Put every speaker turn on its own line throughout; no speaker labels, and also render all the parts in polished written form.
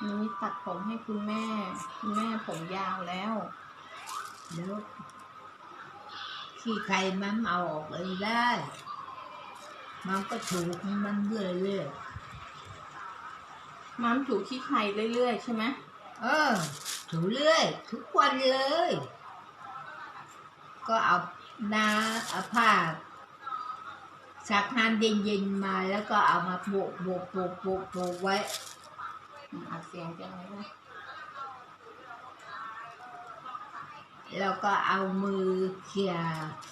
นี้ตัดผมให้คุณแม่ผมยาวแล้ว
แล้วขี้ใครมันเอาออกเลยได้มันก็ถูกมันเรื่อย
มัมถูขี้ใครเรื่อยๆใช่ไหม
ถูเรื่อยทุกวันเลย ก็เอาผ้าซักน้ำเย็นๆมาแล้วก็เอามาโปะไว้
อัดเสียงจังเลยนะ
แล้วก็เอามือเขี่ย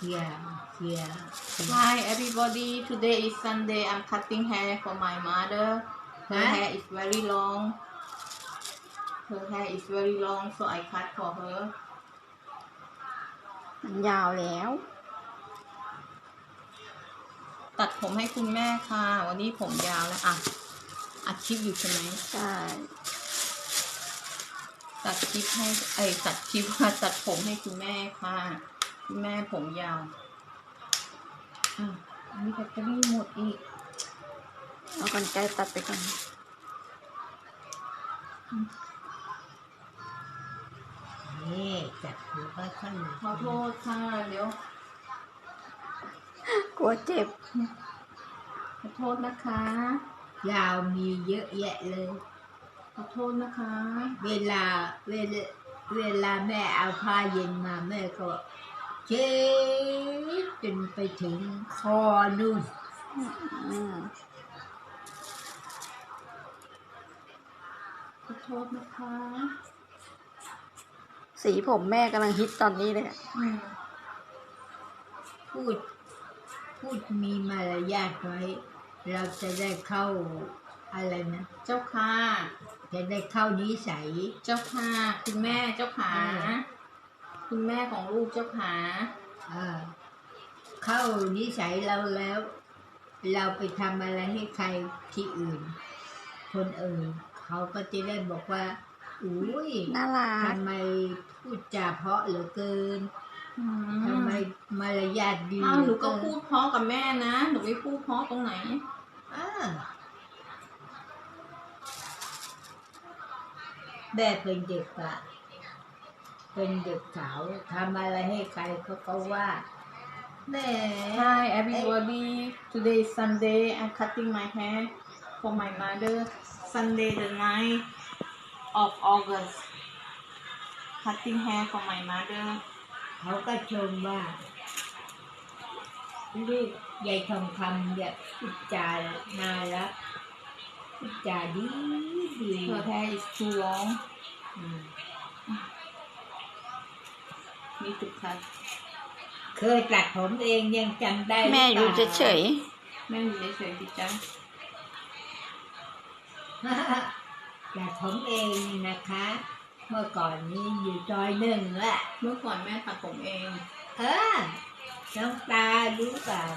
Hi everybody today is Sunday I'm cutting hair for my mother her hair is very long so I cut for her
มันยาวแล้ว
ตัดผมให้คุณแม่ค่ะวันนี้ผมยาวแล้วอัดคลิปอยู่ใช่ไหม
ใช่
ตัดคลิปให้ตัดผมให้คุณแม่ค่ะคุณแม่ผมยาวมีแบตเตอรี่หมดอีก
เอากรรไกรตัดไปก่อน
นี่จับหัวค่อยๆ
ขอโทษค่ะเดี๋ยว
กลัวเจ็บ
ขอโทษนะคะ
ยาวมีเยอะแยะเลย
ขอโทษนะคะ
เวลาแม่เอาผ้าเย็นมาแม่ก็เช็ดจนไปถึงคอนู่น
ขอโทษนะคะ
สีผมแม่กำลังฮิตตอนนี้เลย
พูดมีมารยาทไว้เราจะได้เข้าอะไรนะ
เจ้าค่ะ
จะได้เข้านิสัย
เจ้าค่ะคุณแม่เจ้าขาคุณแม่ของลูกเจ้าขา
เข้านิสัยเราแล้วเราไปทำอะไรให้ใครที่อื่นคนอื่นเขาก็จะได้บอกว่าอุ้ย
น่ารัก
ทำไมพูดจาเพราะเหลือเกินทำไมมารยาทดี
หนูก็พูดเพราะกับแม่นะหนูไม่พูดเพราะตรงไหน
แม่เป็นเด็กเป็นเด็กสาวทำอะไรให้ใครเขาก็ว่าแม่
Hi everybody today is Sunday I'm cutting my hair for my mother Sunday the 9th of August cutting hair for my mother
เขาก็ชมว่าลูกยายทองคำเนี่ยพูดจาน่ารักพูดจาดี
Her hair is too long มีตุกคัด
เคยตัดผมเองยังจำได้
แม่อยู่เฉย
แม่อยู่เฉยๆดิจ้ะ
ตัดผมเองนะคะเมื่อก่อนนี้อยู่ซอย1แหละ
เมื่อก่อนแม่ตัดผมเอง
น้องตารู้เปล่า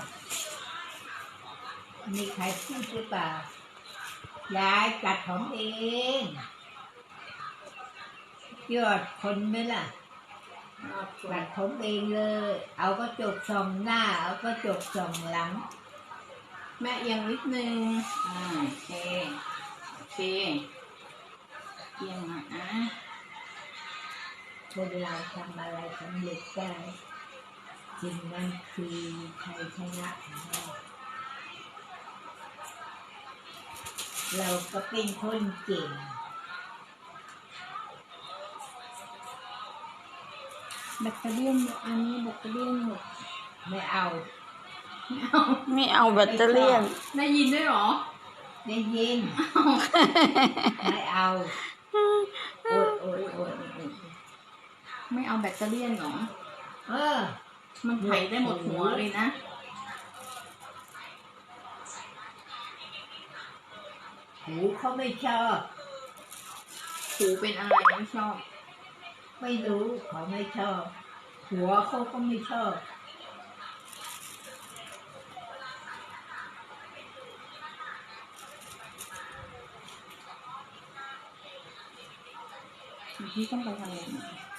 มีใครพูดหรือเปล่ายายตัดผมเองยอดคนไหมล่ะตัดผมเองเลยเอากระจกส่องหน้าเอากระจกส่องหลัง
แม่เอียงนิดนึงโอเคเอียงมา
คนเราทำอะไรสำเร็จได้สิ่งนั้นคือชัยชนะของเราก็เป็นคนเก่ง
แบตเตอรี่อันนี้แบตเตอรี่หมด
ไม่เอา
แบตเตอรี่
ได้ยินด้วยหรอ
ได้ยินไม่เอาโอ๊ย
ไม่เอาแบตเตอรี่หรอมันไถได้หมดหัวเลยนะ
หูเขาไม่ชอบ
หูเป็นอะไรไม่ชอบ
ไม่รู้เขาไม่ชอบหัวเขาก็ไม่ชอบ
พี่ต้องไปทำอะไร